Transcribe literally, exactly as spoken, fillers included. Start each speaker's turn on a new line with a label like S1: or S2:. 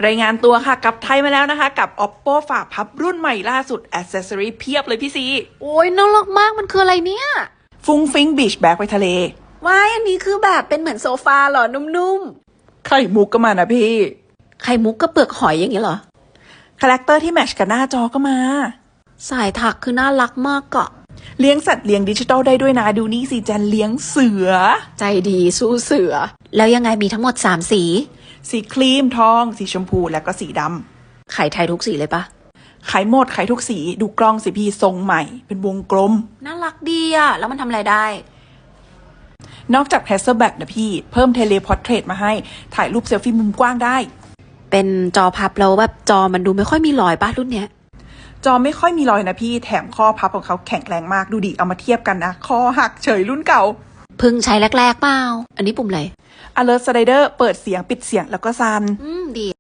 S1: รายงานตัวค่ะกลับไทยมาแล้วนะคะกับ Oppo ฝาพับรุ่นใหม่ล่าสุด Accessory เพียบเลยพี่ซี
S2: โอ้ยน่ารักมากมันคืออะไรเนี่ย
S1: ฟุ้งฟิ้งบีชแบ็กไปทะเล
S2: ว้ายอันนี้คือแบบเป็นเหมือนโซฟาเหรอนุ่ม
S1: ไข่มุกก็มานะพี่
S2: ๆไข่มุกกับเปลือกหอยอย่างเงี้ยเหรอ
S1: คาแรคเตอร์ที่แมทช์กับหน้าจอก็มา
S2: สายถักคือน่ารักมากอะ
S1: เลี้ยงสัตว์เลี้ยงดิจิตอลได้ด้วยนะดูนี่สิแจนเลี้ยงเสือ
S2: ใจดีสู้เสือแล้วยังไงมีทั้งหมดสามสี
S1: สีครีมทองสีชมพูและก็สีด
S2: ำไข่ไทยทุกสีเลยปะ
S1: ขายหมดขายทุกสีดูกล้องสิพี่ทรงใหม่เป็นวงกลม
S2: น่ารักดีอะแล้วมันทำอะไรได้
S1: นอกจาก Hasselblad นะพี่เพิ่มเทเลพอร์เทรตมาให้ถ่ายรูปเซลฟี่มุมกว้างได้
S2: เป็นจอพับแล้วแบบจอมันดูไม่ค่อยมีรอยปะรุ่นเนี้ย
S1: จอไม่ค่อยมีรอยนะพี่แถมข้อพับของเขาแข็งแรงมากดูดิเอามาเทียบกันนะคอหักเฉยรุ่นเก่า
S2: เพิ่งใช้แรกๆเปล่าอันนี้ปุ่มอะไร
S1: Alert Slider เปิดเสียงปิดเสียงแล้วก็ซัน
S2: อืมดี